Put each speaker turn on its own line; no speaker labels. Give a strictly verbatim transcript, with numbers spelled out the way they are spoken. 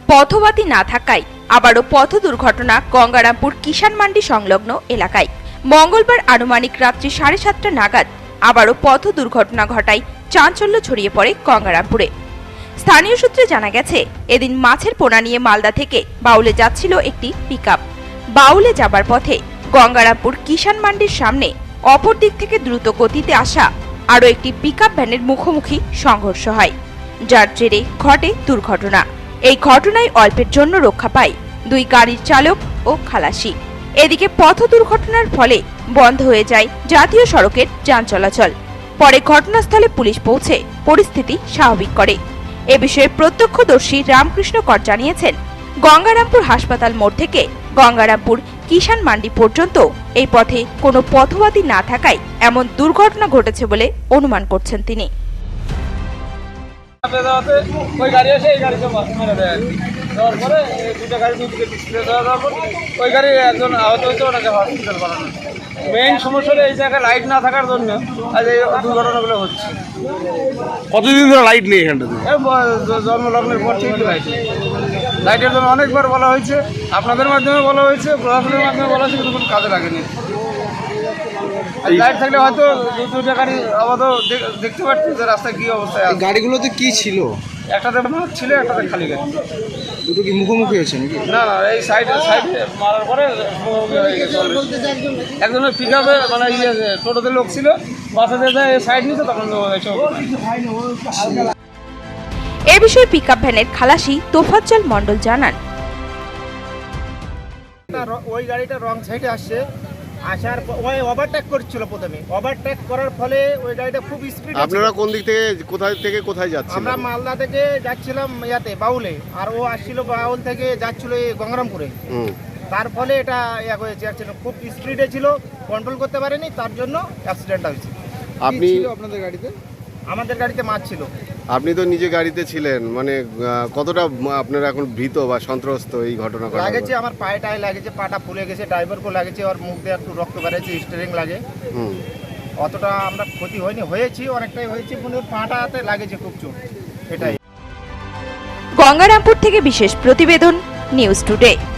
পথবাতি না থাকায় আবারও পথ দুর্ঘটনা গঙ্গারামপুর কিষান মান্ডি সংলগ্ন এলাকায়। মঙ্গলবার আনুমানিক রাত্রি সাড়ে সাতটা নাগাদ আবারও পথ দুর্ঘটনা ঘটায় চাঞ্চল্য ছড়িয়ে পড়ে গঙ্গারামপুরে। স্থানীয় সূত্রে জানা গেছে, এদিন মাছের পোনা নিয়ে মালদা থেকে বাউলে যাচ্ছিল একটি পিকআপ। বাউলে যাবার পথে গঙ্গারামপুর কিষান মান্ডির সামনে অপর দিক থেকে দ্রুত গতিতে আসা আরও একটি পিকআপ ভ্যানের মুখোমুখি সংঘর্ষ হয়, যার জেরে ঘটে দুর্ঘটনা। এই ঘটনায় অল্পের জন্য রক্ষা পায় দুই গাড়ির চালক ও খালাসি। এদিকে পথ দুর্ঘটনার ফলে বন্ধ হয়ে যায় জাতীয় সড়কের যান চলাচল। পরে ঘটনাস্থলে পুলিশ পৌঁছে পরিস্থিতি স্বাভাবিক করে। এ বিষয়ে প্রত্যক্ষদর্শী রামকৃষ্ণ কর জানিয়েছেন, গঙ্গারামপুর হাসপাতাল মোড় থেকে গঙ্গারামপুর কিষান মান্ডি পর্যন্ত এই পথে কোনো পথবাতি না থাকায় এমন দুর্ঘটনা ঘটেছে বলে অনুমান করছেন তিনি।
ওই গাড়ি এসে এই গাড়িতে মেরে দেয়, দেওয়ার পরে দুটো গাড়ি দুদিকে ডিসপ্লে দেওয়ার পর ওই গাড়ি একজন আহত হয়েছে, ওনাকে হসপিটাল বানানো। মেইন সমস্যা এই জায়গায় লাইট না থাকার জন্য আজ এই দুর্ঘটনাগুলো হচ্ছে।
কতদিন ধরে লাইট নেই এখানটাতে?
জন্মলগ্নের পর থেকে লাইট লাইটের জন্য অনেকবার বলা হয়েছে, আপনাদের মাধ্যমে বলা হয়েছে, প্রশাসনের মাধ্যমে বলা হয়েছে, কিন্তু কোনো কাজে লাগেনি। লাইট থাকলে হয়তো দুটো গাড়ি আপাতত দেখতে পাচ্ছি যে রাস্তায় কি অবস্থায় আছে।
গাড়িগুলোতে কি ছিল?
একটাতে মাছ ছিল, একটাতে খালি গাড়ি।
দুটো কি মুখোমুখি হয়েছে নাকি?
না না, এই সাইড সাইড মারার পরে মুখোমুখি হয়ে গেছে। একজনের পিক আপে মানে ইয়ে টোটোতে লোক ছিল, বাসাতে যায় সাইড নিতে, তখন
এ বিষয়ে পিকআপ ভ্যানের খালাসি তোফাজ্জল মণ্ডল জানান,
ওই গাড়িটা রং সাইডে আসছে, আসার ওই ওভারটেক করছিল। প্রথমে ওভারটেক করার ফলে ওই গাড়িটা খুব স্পিড।
আপনারা কোন দিক থেকে কোথায় থেকে কোথায় যাচ্ছেন?
আমরা মালদা থেকে যাচ্ছিলাম ইয়াতে বাউলে, আর ও আসছিল বাউল থেকে যাচ্ছিল এই গঙ্গারামপুরে। তার ফলে এটা ইয়া হয়েছে, অ্যাক্সিডেন্ট খুব স্পিডে ছিল, কন্ট্রোল করতে পারেনি, তার জন্য অ্যাক্সিডেন্টটা হয়েছে।
আপনি
আপনাদের গাড়িতে? আমাদের গাড়িতে মাছ ছিল।
আপনি তো নিজে গাড়িতে ছিলেন, মানে কতটা আপনারা এখন ভীত বা সন্ত্রস্ত এই ঘটনা?
লাগেছে আমার পায়ে টায়ে লাগেছে, পাটা ফুলে গেছে, ড্রাইভারকেও লাগেছে, ওর মুখ দিয়ে একটু রক্ত বেরিয়েছে, স্টিয়ারিং লাগে। অতটা আমরা ক্ষতি হয়নি, হয়েছি অনেকটাই হয়েছে, কিন্তু পাটাতে লাগেছে খুব চোট। এটাই।
গঙ্গারামপুর থেকে বিশেষ প্রতিবেদন, নিউজ টুডে।